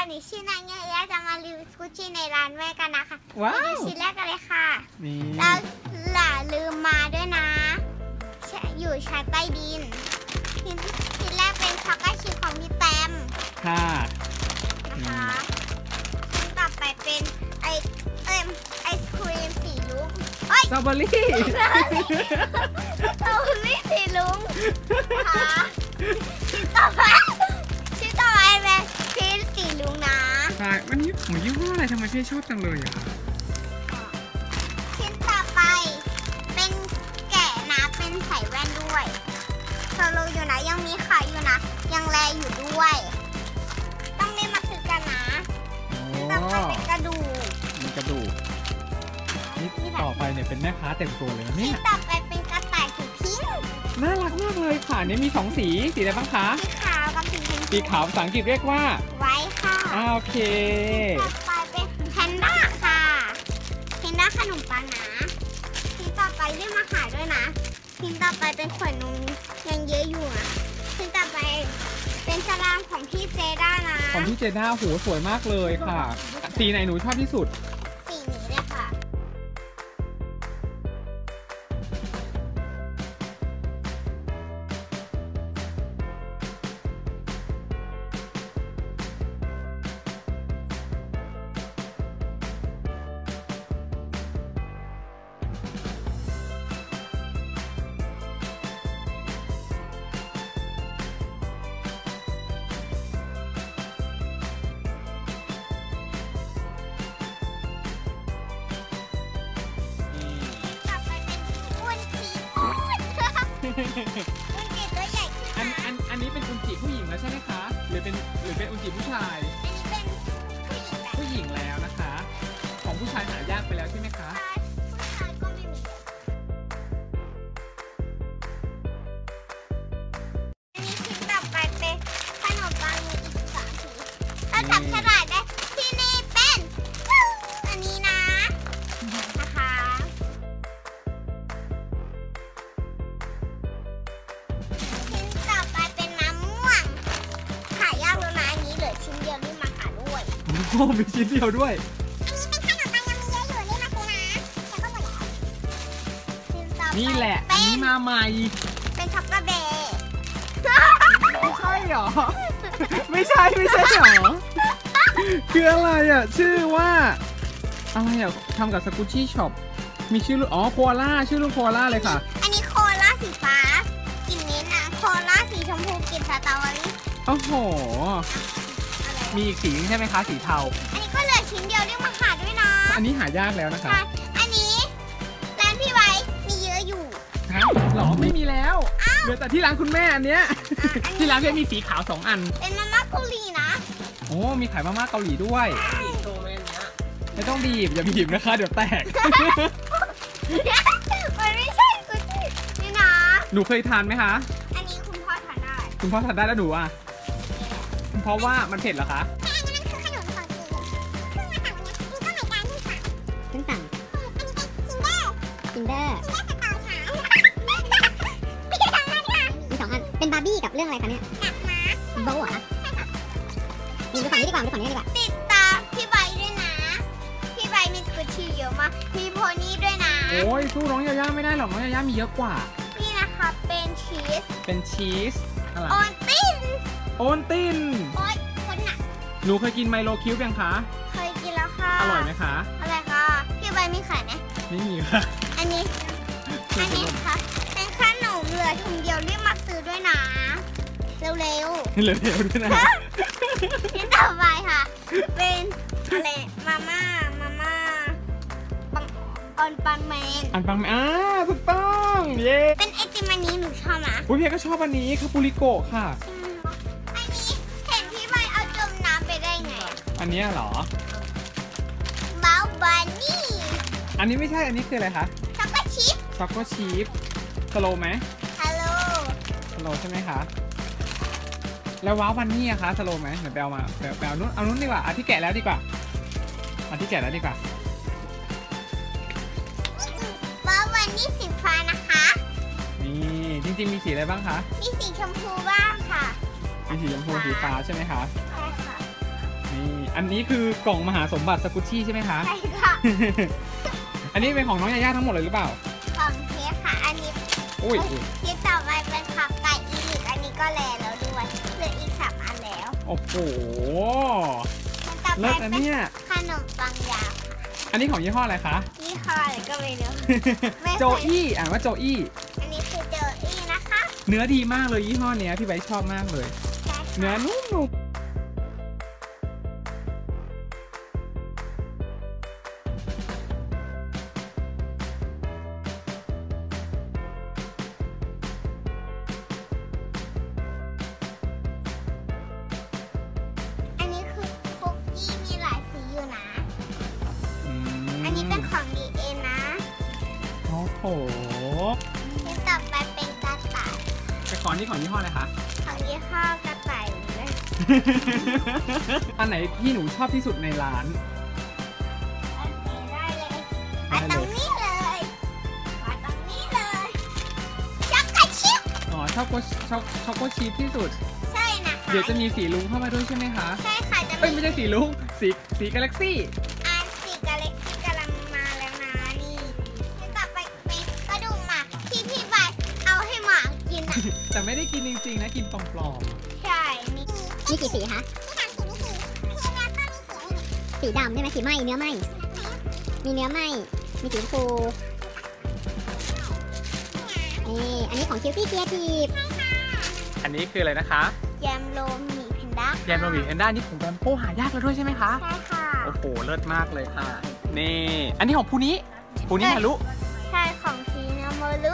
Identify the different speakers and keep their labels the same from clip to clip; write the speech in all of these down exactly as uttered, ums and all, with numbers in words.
Speaker 1: หนูชื่อนางเงี้ยจะมารีวิวสกูชี่ในร้านแม่กันนะคะ
Speaker 2: ว้าว
Speaker 1: ชิ้นแรกกันเลยค่ะ
Speaker 2: นี่
Speaker 1: แล้วอย่าลืมมาด้วยนะอยู่ชั้นใต้ดินชิ้นแรกเป็นช็อกโกแลตชีสของพี่แตม
Speaker 2: ค่ะ
Speaker 1: นะคะชิ้นต่อไปเป็นไอเอ็มไอศครีมสีลุง
Speaker 2: สตรอเบอรี่
Speaker 1: สตรอเบอรี่สีลุงค่ะชิ้นต่อไปชิ้นต่อไปเป็นชิ้นสีลุงนะ
Speaker 2: ใช่วันนี้หมูยี่ห้ออะไรทำไมพี่ชอบจังเลยอ่ะ
Speaker 1: ชิ้นต่อไปเป็นแกะนะเป็นใส่แว่นด้วยโซโลอยู่นะยังมีขายอยู่นะยังแลอยู่ด้วยต้องได้มาซื้อกันนะต่อไปเป็นกระดูก
Speaker 2: มีกระดูกนี่ต่อไปเนี่ยเป็นแม่ค้าเต็มตัวเลยนะเนี่ย
Speaker 1: ต่อไปเป็นกระต่ายสีพิงค์
Speaker 2: น่ารักมากเลยค่ะนี่มีสองสีสีอะไรบ้างคะ
Speaker 1: สีขาวกับสีชมพู
Speaker 2: สีขาวภาษาอังกฤษเรียกว่า
Speaker 1: ไว้ค่ะ
Speaker 2: อ้าวโอเค
Speaker 1: ต่อไปเป็นแพนด้าค่ะแพนด้าขนมปังนะชิ้นต่อไปเรียกมาขายด้วยนะชิ้นต่อไปเป็นขวดนมยังเยอะอยู่นะชิ้นต่อไปเป็นสลามของพี่เจด้านะ
Speaker 2: ของพี่เจด้าโหสวยมากเลยค่ะสีไหนหนูชอบที่สุด
Speaker 1: สีนี้เลยค่ะอุนจิตัวใหญ่ขึ้นอัน
Speaker 2: อันอันนี้เป็นอุนจิผู้หญิงแล้วใช่ไหมคะหรือเป็นหรือเป็นอุนจิผู้ชาย
Speaker 1: อันนี้เป็น
Speaker 2: ผู้หญิงแล้วนะคะของผู้ชายหายากไปแล้วใช่ไหมคะ
Speaker 1: ผู้ชายก็ไม่มีอันนี้ชิ้นต่อไปเป็นขนมปังมีอีกสามสีถ้าจับฉลากได้ที่นี่เป็นอันนี้นะนะคะ
Speaker 2: โอ้มีชิ้นเดียวด้วย
Speaker 1: อันนี้เป็นขนมปังยังมีเยอะอยู่นี่มาซื้อนะแต่ก็หมดแล้ว
Speaker 2: นี่แหละอันนี้มาใหม่
Speaker 1: เป็นช็อกโกแลต
Speaker 2: ไม่ใช่หรอไม่ใช่ไม่ใช่หรอคืออะไรอ่ะชื่อว่าอะไรอ่ะทำกับสกูชี่ช็อปมีชื่ออ๋อโคอาล่าชื่อลูกโคอาล่าเลยค่ะ
Speaker 1: อันนี้โคอาล่าสีฟ้ากลิ่นนี้นะโคอาล่าสีชมพูกลิ่นสตรอเบอรี่
Speaker 2: โอ้โหมีอีกสีใช่ไหมคะสีเทา
Speaker 1: อันนี้ก็เหลือชิ้นเดียวเรียกมาหาด้วยนะ
Speaker 2: อันนี้หายากแล้วนะคะ
Speaker 1: อันนี้ร้านพี่ไว้มีเยอะอยู่
Speaker 2: ฮะหรอไม่มีแล้วเหลือแต่ที่ร้านคุณแม่อันเนี้ยที่ร้านเพื่อนมีสีขาวสองอัน
Speaker 1: เป็นมาม่าเกาหลีนะ
Speaker 2: โอ้มีขายมาม่าเกาหลีด้วยไม่ต้องบีบอย่าบีบนะคะเดี๋ยวแตก
Speaker 1: มันไม่ใช่กุชี่นี่นะ
Speaker 2: หนูเคยทานไหมคะ
Speaker 1: อันนี้คุณพ่อทานได้
Speaker 2: คุณพ่อทานได้แล้วหนูอ่ะเพราะว่ามันเผ็ดเหรอคะ
Speaker 1: ใช่อันนั้นคือขนมของจีนเพิ่งมาสั่งวันนี้นี่ก็เหมือนกันเพิ่งสั่ง
Speaker 3: เพิ่งสั่ง
Speaker 1: อันนี้เป็นซินเดอร์
Speaker 3: ซินเดอร์
Speaker 1: ซินเดอร์สตอฉายมีสองอันค่ะ
Speaker 3: มีสองอันเป็นบาร์บี้กับเรื่องอะไรคะเนี่ย
Speaker 1: กับมาร์ค
Speaker 3: โบว์เหรอคะดูฝั่งนี้ดีกว่าดูฝั่งนี้ดีกว่า
Speaker 1: ติดตามพี่ใบด้วยนะพี่ใบมีสกูชี่เยอะมากมีโพนี่ด้วยนะ
Speaker 2: โอ้ยสู้น้องยาย่าไม่ได้หรอกน้องยาย่ามีเยอะกว่า
Speaker 1: นี่นะคะเป็นชีส
Speaker 2: เป็นชีสอะไร
Speaker 1: โอนติน
Speaker 2: โอนติน
Speaker 1: โอ๊ยคนหนัก
Speaker 2: หนูเคยกินไมโลคิวยังคะ
Speaker 1: เคยกินแล้วค่ะ
Speaker 2: อร่อยไหมคะ
Speaker 1: อร่อยค่ะพี่ใบมีขายไหม
Speaker 2: ไม่มีค่ะ
Speaker 1: อันนี้อันนี้ค่ะเป็นขนมเหลือถุงเดียวรีบมาซื้อด้วยนะเร็วๆเร็ว
Speaker 2: ๆด้วยนะ
Speaker 1: ที่ต่อไปค่ะเป็นอะไรมาม่ามาม่าปังอันปังแมน
Speaker 2: อันปังแมนอ่าถูกต้องเย้
Speaker 1: เป็นไอติมอันนี้หนูชอบนะ
Speaker 2: อุ้ยเพียก็ชอบอันนี้คาปูริโกะค่ะ
Speaker 1: อันนี้เห็นพี่ใบเอาจมน้ำไปได้ไง
Speaker 2: อันนี้เหรอ
Speaker 1: บ้าบันนี่
Speaker 2: อันนี้ไม่ใช่อันนี้คืออะไรคะ
Speaker 1: ช็อกโกชิป
Speaker 2: ช็อกโกชิปสโลไหม
Speaker 1: ฮัลโหล
Speaker 2: สโลใช่ไหมคะแล้วว้าววันนี้อะคะสโลไหมเดี๋ยวไปเอามาไปเอานู้นเอานู้นดีกว่าอันที่แกะแล้วดีกว่าอันที่แกะแล้วดีกว่า
Speaker 1: ว้าววันนี้สีฟ้านะคะ
Speaker 2: นี่จริงๆมีสีอะไรบ้างคะ
Speaker 1: มีสีชมพูบ้างค่ะ
Speaker 2: มีสีชมพูสีฟ้าใช่ไหมคะ
Speaker 1: ใช่ค่ะ
Speaker 2: นี่อันนี้คือกล่องมหาสมบัติสกุชชี่ใช่ไหมคะ
Speaker 1: ใช่ค่ะ
Speaker 2: อันนี้เป็นของน้องยาย่าทั้งหมดเลยหรือเปล่า
Speaker 1: ของเทค่ะ อันนี้
Speaker 2: อุ้ย
Speaker 1: ที่ต่อไปเป็นผักไก่อีลิกอันนี้ก็แลแล้วด้วยเหลืออีกสามอันแล้ว
Speaker 2: โอ้โห
Speaker 1: ต่อไป
Speaker 2: เลิศอัน
Speaker 1: เป็น
Speaker 2: เนี้ย
Speaker 1: ขนมปังยาวค่ะ
Speaker 2: อันนี้ของยี่ห้ออะไรคะ
Speaker 1: ยี่ห้ออะไรก็ไม่รู้ ไม่เคย
Speaker 2: โจอี้อ่านว่าโจอี้
Speaker 1: อันนี้คือเจออี้นะคะ
Speaker 2: เนื้อดีมากเลยยี่ห้อเนี้ยพี่ไบร์ทชอบมากเลย
Speaker 1: ใช่ค่ะ
Speaker 2: เนื้อนุ่มๆ
Speaker 1: อันนี้คือคุกกี้มีหลายสีอยู่นะ
Speaker 2: อืม
Speaker 1: อันนี้เป็นของดีเอ็นนะ
Speaker 2: โอ้โห
Speaker 1: ที่ต่อไปเป็นกระต่าย
Speaker 2: แต่ก่อนนี่ของยี่ห้ออะไรคะ
Speaker 1: ของยี่ห้อกระต่ายเลย
Speaker 2: อันไหนที่หนูชอบที่สุดในร้าน
Speaker 1: โอเคได้เลยมาตรงนี้เลยมาตรงนี้เลยช็อกโกชิป
Speaker 2: อ๋อชอบโกชอบช็อกโกชีสที่สุด
Speaker 1: ใช่นะคะ
Speaker 2: เดี๋ยวจะมีสีลุงเข้ามาด้วยใช่ไหมคะ
Speaker 1: ใช่ค่ะจะ
Speaker 2: เอ้ยไม่ใช่สีลุง สีสีกาแล็กซี่
Speaker 1: อันสีกาเล็กที่กำลังมาแล้วนะนี่ที่ต่อไปเป็นกระดูกหมาที่พี่ใบเอาให้หมากินอ่ะ
Speaker 2: แต่ไม่ได้กินจริงๆนะกินปลอม
Speaker 1: ใช่นี่
Speaker 3: มีกี่สีคะ
Speaker 1: ที่ทำสีนี่สีพี่แล้วก็มีสีนี่
Speaker 3: สีดำใช่ไหมสีไหมเนื้อไหมมีเนื้อไหมมีสีชมพูนี่อันนี้ของคิวตี้เคียทีฟ
Speaker 2: ๆ อันนี้คืออะไรนะคะ
Speaker 1: แยมโรมหมีแพนด้า
Speaker 2: แยมโรบิแอนด้านี่ของแบมโป้หายากแล้วด้วยใช่ไหมคะ
Speaker 1: ใช่ค่ะ
Speaker 2: โอ้โห เลิศมากเลยค่ะ นี่ อันนี้ของภูนี้ภูนี้ฮารุ
Speaker 1: ใช่ของพีนาโมรุ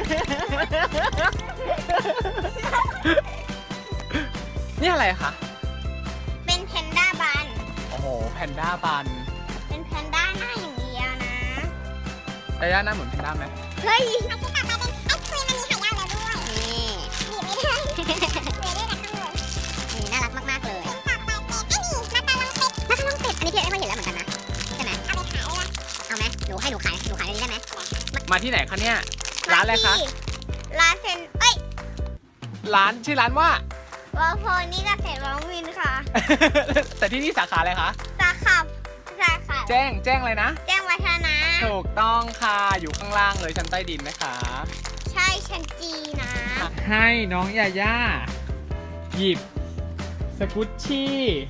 Speaker 2: นี่อะไรคะ
Speaker 1: เป็นแพนด้าบัน
Speaker 2: โอ้โห แพนด้าบัน
Speaker 1: เป็นแพนด้าหน้าอย่างเดียวนะ
Speaker 2: ยาย่าหน้าเหมือนแพนด้าไหม
Speaker 1: เฮ้ยอันที่ต่อไปเป็นไอศครีมอันนี้หายากแล้วด้วย
Speaker 3: นี่
Speaker 1: บีบไม่ได้เหลือได้แต่ข้างบน
Speaker 3: นี่น่ารักมากๆเลย
Speaker 1: ต่อไปเป็นไอ้นี่มาตาลังเป็ด
Speaker 3: ถ้าข้างนอกเป็ดอันนี้พี่เอ็ไม่เห็นแล้วเหมือนกันนะใช่ไหม
Speaker 1: เอาไปขายเลย
Speaker 3: เอาไหมหนูให้หนูขายหนูขายอันนี้ได้ไหม
Speaker 2: มาที่ไหนคะเนี่ย ร้านอะไรคะ
Speaker 1: ร้านเซนเอ้ย
Speaker 2: ร้านชื่อร้านว่า
Speaker 1: วอลโพนี่เกษตรร้องวินค่ะ
Speaker 2: แต่ที่นี่สาขาอะไรคะ
Speaker 1: สาขาสาขา
Speaker 2: แจ้ง แจ้งอะไรนะ
Speaker 1: แจ้งวัฒนะ
Speaker 2: ถูกต้องค่ะ อยู่ข้างล่างเลยชั้นใต้ดินนะคะ
Speaker 1: ใช่ชั้นจีนะ
Speaker 2: ให้น้องยาย่าหยิบสกุชชี่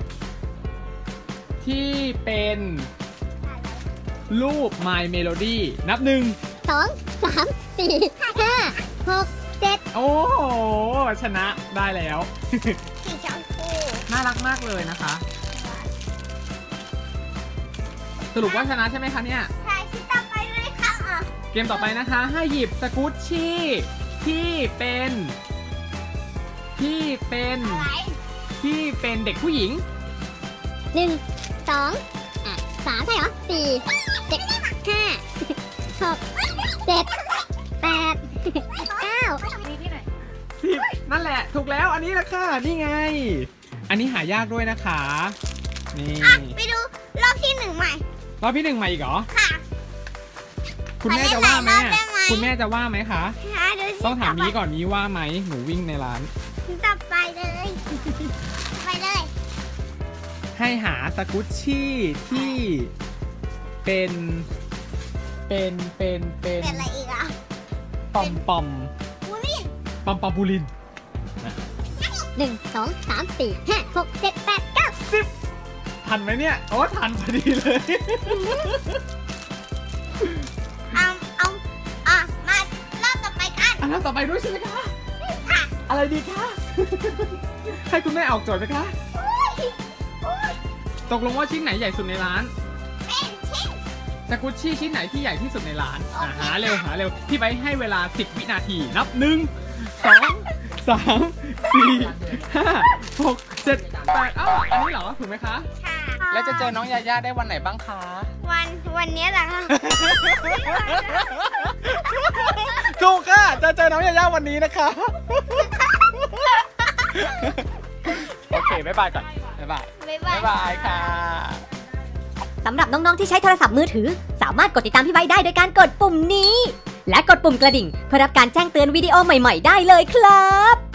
Speaker 2: ที่เป็นรูป My Melody นับหนึ่ง
Speaker 3: สองสามสี่ห้าหกเจ็ด
Speaker 2: โอ้โห ชนะได้แล้ว
Speaker 1: สีชมพู
Speaker 2: น่ารักมากเลยนะคะ สรุปว่าชนะใช่ไหมคะเนี่ย
Speaker 1: ใช่ชิ้นต่อไปเลยค่ะอ่ะ
Speaker 2: เกมต่อไปนะคะให้หยิบสกุชชี่ที่เป็นที่เป็น
Speaker 1: อะไร
Speaker 2: ที่เป็นเด็กผู้หญิง
Speaker 3: หนึ่งสองอ่ะสามใช่เหรอสี่เจ็ดห้าหกเจ็ดแปดเก้า
Speaker 2: สิบนั่นแหละ ถูกแล้วอันนี้แหละค่ะ นี่ไง อันนี้หายากด้วยนะคะ นี่
Speaker 1: อ่ะไปดูรอบที่หนึ่งใหม่
Speaker 2: รอบที่หนึ่งมาอีกเหรอ
Speaker 1: ค่ะ
Speaker 2: คุณแม่จะว่าไหม
Speaker 1: ขอเล่นหลายรอบได้ไหม
Speaker 2: คุณแม่จะว่าไหมคะ
Speaker 1: หาดูสิ
Speaker 2: ต้องถามนี้ก่อนนี้ว่าไหมหนูวิ่งในร้าน
Speaker 1: ชิ้นต่อไปเลย ไปเลย
Speaker 2: ให้หาสกุชชี่ที่เป็นเป็นเป็นเป็น
Speaker 1: เป็นอะไรอีกอ่ะ
Speaker 2: ปอมปอม
Speaker 1: บูลลี่
Speaker 2: ปอมปอมบูลิน
Speaker 3: หนึ่งสองสามสี่ห้าหกเจ็ดแปดเก้า
Speaker 2: ทันไหมเนี่ยโอ้ทันพอดีเลย
Speaker 1: เอาเอาอ่ะมารอบต่อไปกัน
Speaker 2: อันนั้นต่อไปด้วยใช่ไหมคะ
Speaker 1: ค่ะ
Speaker 2: อะไรดีคะ ให้คุณแม่ออกโจทย์ไหมคะ
Speaker 1: โอ้ยโอ้ย
Speaker 2: ตกลงว่าชิ้นไหนใหญ่สุดในร้าน
Speaker 1: เป็นชิ้น
Speaker 2: สกุชชี่ชิ้นไหนที่ใหญ่ที่สุดในร้าน
Speaker 1: โอเค
Speaker 2: อ่ะหาเร็วหาเร็วพี่ไบร์ทให้เวลาสิบวินาทีนับหนึ่งสองสามสี่ห้าหกเจ็ดแปดอ้าวอันนี้เหรอถูกไหมคะ
Speaker 1: ค่ะ
Speaker 2: แล้วจะเจอน้องยาย่าได้วันไหนบ้างคะ
Speaker 1: วันวันนี้แหละค่ะ
Speaker 2: ถูกค่ะ จะเจอน้องยาย่าวันนี้นะคะ โอเค บ๊ายบายก่อน บ๊ายบาย
Speaker 1: บ๊ายบา
Speaker 2: บ๊าย ยบายค่ะ
Speaker 3: สำหรับน้องๆที่ใช้โทรศัพท์มือถือ สามารถกดติดตามพี่ไบค์ได้โดยการกดปุ่มนี้ และกดปุ่มกระดิ่งเพื่อรับการแจ้งเตือนวิดีโอใหม่ๆได้เลยครับ